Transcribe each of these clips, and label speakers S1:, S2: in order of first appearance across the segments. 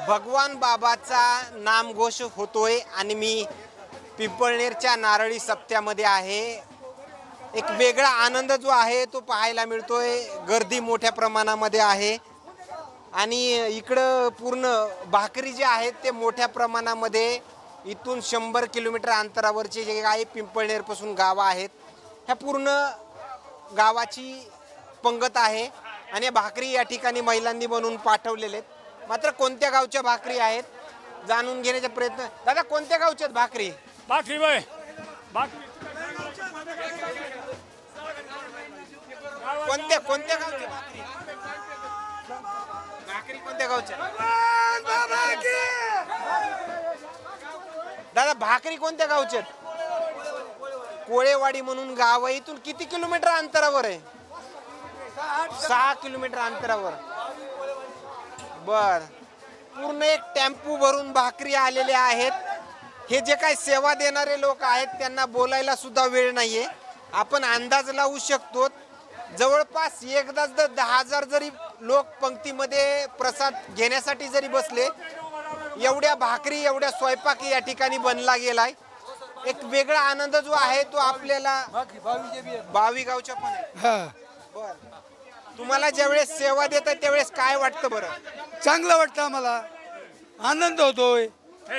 S1: भगवान बाबाचा नामघोष होतोय आणि मी पिंपळनेरच्या नारळी सप्त्यामध्ये आहे। एक वेगळा आनंद जो आहे तो पाहायला मिळतोय। गर्दी मोठ्या प्रमाणामध्ये आहे आणि इकडं पूर्ण भाकरी जे आहेत ते मोठ्या प्रमाणामध्ये इथून 100 किलोमीटर अंतरावरचे जे काही पिंपळनेर पासून गाव आहेत ह्या पूर्ण गावाची पंगत आहे आणि भाकरी या ठिकाणी महिलांनी बनवून पाठवलेले आहेत। मात्र कोणत्या गावच्या भाकरी आहेत जाणून घेण्याचा प्रयत्न। दादा कोणत्या गावच्या भाकरी?
S2: भाकरी बाय भाकरी
S1: कोणत्या कोणत्या गावच्या भाकरी? भाकरी कोणत्या गावच्या? दादा भाकरी कोणत्या गावच्या? कोळेवाडी म्हणून गाव आहे। इथून किती किलोमीटर अंतरावर आहे? 6 किलोमीटर अंतरावर। बर, पूर्ण एक टेम्पो भरून भाकरी आलेल्या आहेत। हे जे काही सेवा देणारे लोक आहेत त्यांना बोलायला सुद्धा वेळ नाहीये। आपण अंदाज लावू शकतो जवळपास एकदाच 10,000 जरी लोक पंक्तीमध्ये प्रसाद घेण्यासाठी जरी बसले, एवढ्या भाकरी एवढ्या स्वयंपाक या ठिकाणी बनला गेलाय। एक वेगळा आनंद जो आहे तो आपल्याला 22 गावच्या पण आहे। बर, तुम्हाला ज्यावेळेस सेवा देतात त्यावेळेस काय वाटतं बरं?
S3: चांगलं वाटतं, आम्हाला आनंद होतोय।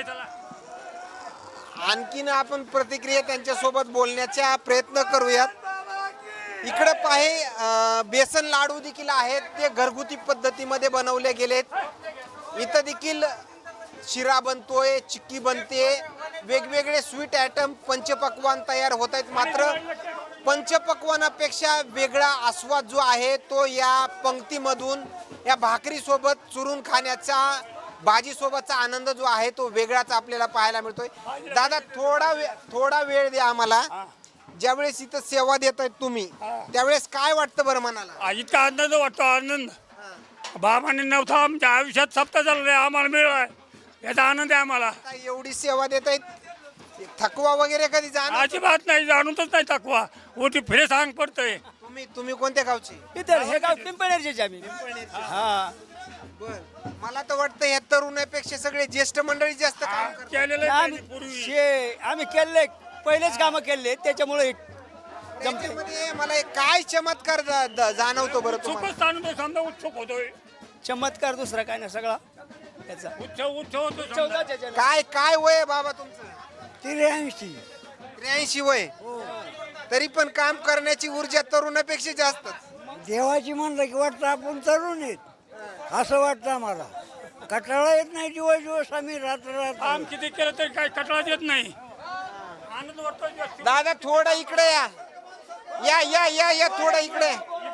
S1: आणखीन आपण प्रतिक्रिया त्यांच्या सोबत बोलण्याचा प्रयत्न करूयात। इकडे पाहे बेसन लाडू देखील आहेत, ते घरगुती पद्धतीमध्ये बनवले गेलेत। इथं देखील शिरा बनतोय, चिक्की बनते, वेगवेगळे स्वीट आयटम पंचपक्वान तयार होत आहेत। मात्र पंचपक्वानापेक्षा वेगळा आस्वाद जो आहे तो या पंक्तीमधून या भाकरी सोबत चुरून खाण्याचा, भाजी सोबतचा आनंद जो आहे तो वेगळाच आपल्याला पाहायला मिळतोय। दादा थोडा वेळ द्या आम्हाला। ज्यावेळेस इथं सेवा देत आहेत तुम्ही त्यावेळेस काय वाटतं बरं मनाला?
S2: इतका आनंद वाटतो, आनंद बाबांनी नव्हता आमच्या आयुष्यात सप्ताह चाललंय, आम्हाला मिळालाय याचा आनंद आहे आम्हाला।
S1: एवढी सेवा देत आहेत, थकवा वगैरे कधी जाणार?
S2: अजिबात नाही, जाणूनच नाही थकवा। उठी फिरे सांग पडतंय।
S1: तुम्ही कोणत्या गावचे?
S3: इतर हे गाव पिंपळनेरचे आम्ही। हा,
S1: बर, मला तर वाटतं या तरुणापेक्षा सगळे ज्येष्ठ मंडळी जास्त काम करतात।
S2: केलेलं आहे त्यांनी पूर्वी।
S3: आम्ही केले पहिलेच कामं केले त्याच्यामुळे
S1: त्याच्यामध्ये मला एक काय चमत्कार जाणवतो बरं तुम्हाला?
S2: सुखच आनंद समजा, उत्सुक होतोय।
S3: चमत्कार दुसरा काय नाही, सगळा याचा
S2: उत्सव होतो समजा।
S1: काय वय आहे बाबा तुमचं?
S3: 83
S1: 83 वय, तरी पण काम करण्याची ऊर्जा तरुणापेक्षा जास्त।
S3: देवाची म्हणलं की वाटतं आपण तरुण आहेत असं वाटतं आम्हाला। कटाळा येत नाही, दिवस आम्ही रात्र
S2: काम किती केलं तरी काही कटाळा येत नाही, आनंद वाटतो जास्त।
S1: दादा थोडा इकडे या या या या या थोडा इकडे।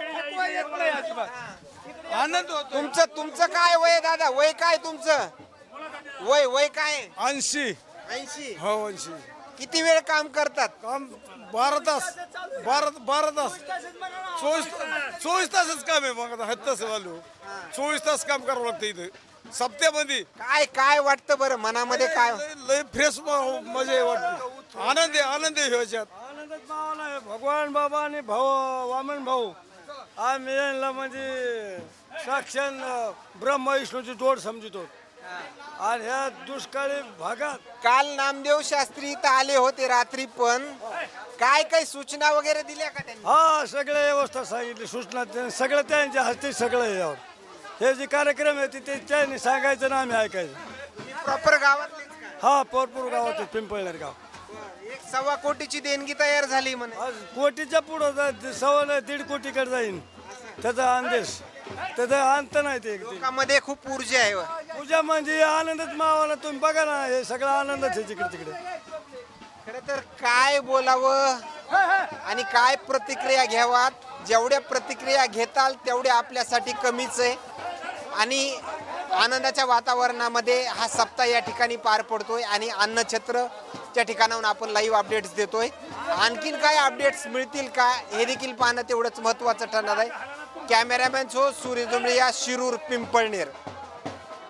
S3: आनंद होतो।
S1: तुमचं काय वय दादा? वय काय तुमचं? वय काय?
S3: 80
S1: 80।
S3: हो 80।
S1: किती वेळ काम करतात?
S3: काम 12 तास 12 तास 24 तासच काम आहे। मग आता हत्ताच वालू 24 तास काम करावं लागतं इथं सप्त्यामध्ये।
S1: काय वाटतं बरं मनामध्ये? काय
S3: लय फ्रेश मजा वाटते, आनंद आहे ह्याच्यात। आनंदात मावला आहे भगवान बाबा आणि भाऊ वामन भाऊ आम्ही यांना म्हणजे साक्षात ब्रह्म विष्णूची जोड समजतो। आणि ह्या दुष्काळी भागात
S1: काल नामदेव शास्त्री इथं आले होते रात्री, पण काय सूचना वगैरे दिल्या का त्यांनी?
S3: हा, सगळ्या व्यवस्था सांगितली, सूचना सगळं त्यांच्या हस्ते सगळं यावर। हे जे कार्यक्रम आहे ते त्यांनी सांगायचं ना आम्ही ऐकायचं।
S1: प्रॉपर गावात
S3: हा, पोरपूर गावात पिंपळनेर गाव।
S1: 1.25 कोटीची देणगी तयार झाली म्हणे।
S3: आज कोटीच्या पुढं 1.5 कोटीकडे जाईन त्याचा अंदेश, त्याचा अंत नाही। ते
S1: लोकांमध्ये खूप ऊर्जा आहे।
S3: पूजा म्हणजे आनंदच मावाला, तुम्ही बघा ना, हे सगळं आनंदच आहे जिकडे तिकडे।
S1: खरं तर काय बोलावं आणि काय प्रतिक्रिया घ्यावात? जेवढ्या प्रतिक्रिया घेताल तेवढ्या आपल्यासाठी कमीच आहे। आणि आनंदाच्या वातावरणामध्ये हा सप्ताह या ठिकाणी पार पडतोय आणि अन्नछत्रच्या ठिकाणाहून आपण लाईव्ह अपडेट्स देतोय। आणखीन काय अपडेट्स मिळतील का हे देखील पाहणं तेवढंच महत्त्वाचं ठरणार आहे। कॅमेरामॅन सूर्य जुमळे, शिरूर पिंपळनेर।